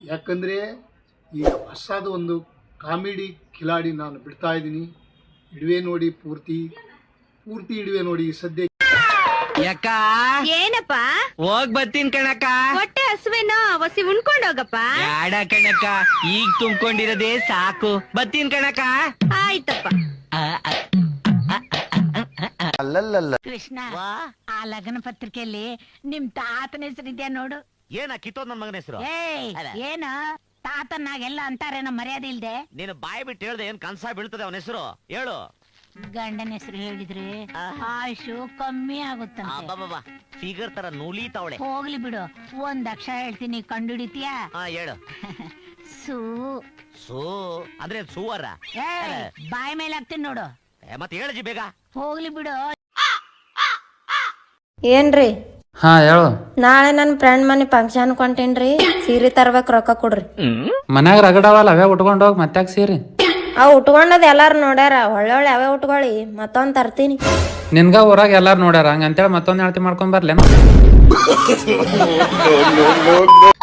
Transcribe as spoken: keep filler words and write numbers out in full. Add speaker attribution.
Speaker 1: ಯಾಕಂದರೆ ಈಗ ಹೊಸದು ಒಂದು ಕಾಮಿಡಿ ಕಿಲಾಡಿ ನಾನು ಬಿಡ್ತಾ ಇದ್ದೀನಿ. ಇಡುವೆ ನೋಡಿ ಪೂರ್ತಿ ಪೂರ್ತಿ ಇಡುವೆ ನೋಡಿ ಸದ್ಯ.
Speaker 2: ಯಾಕ
Speaker 3: ಏನಪ್ಪ
Speaker 2: ಹೋಗ್ ಬತ್ತೀನ್ ಕಣಕ್ಕ.
Speaker 3: ಹೊಟ್ಟೆ ಹಸುವೇನೋ ಒಸಿ ಉಣ್ಕೊಂಡ್ ಹೋಗಪ್ಪ.
Speaker 2: ಯಾಡ ಕಣಕ್ಕ, ಈಗ ತುಂಬ್ಕೊಂಡಿರೋದೇ ಸಾಕು. ಬತ್ತೀನ್ ಕಣಕ್ಕ.
Speaker 3: ಆಯ್ತಪ್ಪ.
Speaker 4: ಕೃಷ್ಣ, ಆ ಲಗ್ನ ಪತ್ರಿಕೆಯಲ್ಲಿ ನಿಮ್ ತಾತನ ಹೆಸರಿದ್ಯಾ ನೋಡು.
Speaker 5: ಏನ ಕಿತ್ತೋದ್ ನನ್ ಮಗನ ಹೆಸರು?
Speaker 4: ಏಯ್ ಏನು ತಾತನಾಗೆಲ್ಲ ಅಂತಾರೇನೋ ಮರ್ಯಾದೆ ಇಲ್ದೆ.
Speaker 5: ನೀನು ಬಾಯಿ ಬಿಟ್ಟು ಹೇಳ್ದೆ ಏನ್ ಕನ್ಸ ಬೀಳ್ತದೆ ಅವನ ಹೆಸರು ಹೇಳು.
Speaker 4: ಗಂಡನ ಹೆಸರು ಹೇಳಿದ್ರೆ ಆಯುಷು ಕಮ್ಮಿ ಆಗುತ್ತಂತೆ.
Speaker 5: ಫಿಗರ್ ತರ ನೂಲಿತಾವಳೆ.
Speaker 4: ಹೋಗ್ಲಿ ಬಿಡು, ಒಂದ್ ಅಕ್ಷರ ಹೇಳ್ತೀನಿ, ಕಂಡುಹಿಡಿತೀಯಾ?
Speaker 5: ಹಾ ಹೇಳು.
Speaker 4: ಸೂ.
Speaker 5: ಸೂ ಅಂದ್ರೆ ಸೂವರ.
Speaker 4: ಏಯ್, ಬಾಯಿ ಮೇಲೆ ಹಾಕ್ತೀನಿ ನೋಡು.
Speaker 5: ಮತ್ತೆ ಹೇಳಜಿ ಬೇಗ.
Speaker 4: ಹೋಗ್ಲಿ ಬಿಡು.
Speaker 6: ಏನ್ರಿ?
Speaker 7: ಹಾ ಹೇಳು.
Speaker 6: ನಾಳೆ ನನ್ ಫ್ರೆಂಡ್ ಮನೆ ಫಂಕ್ಷನ್ ಕೊಂಟೇನ್ರಿ, ಸೀರೆ ತರ್ಬೇಕ್, ರೊಕ್ಕ ಕೊಡ್ರಿ.
Speaker 7: ಮನ್ಯಾಗ ರಗಡವಲ್ಲ, ಅವೇ ಉಟ್ಕೊಂಡ್ ಹೋಗ್ ಮತ್ತೆ ಸೀರೆ.
Speaker 6: ಅವ್ ಉಟ್ಕೊಂಡದ್ ಎಲ್ಲಾರು ನೋಡ್ಯಾರ, ಒಳ್ಳೊಳ್ಳೆ ಅವೇ ಉಟ್ಕೊಳ್ಳಿ, ಮತ್ತೊಂದ್ ತರ್ತೀನಿ.
Speaker 7: ನಿನ್ಗ ಊರಾಗ ಎಲ್ಲಾರು ನೋಡ್ಯಾರ, ಹಂಗಂತೇಳಿ ಮತ್ತೊಂದ್ ಹೇಳ್ತಿ ಮಾಡ್ಕೊಂಡ್ ಬರ್ಲೇನ?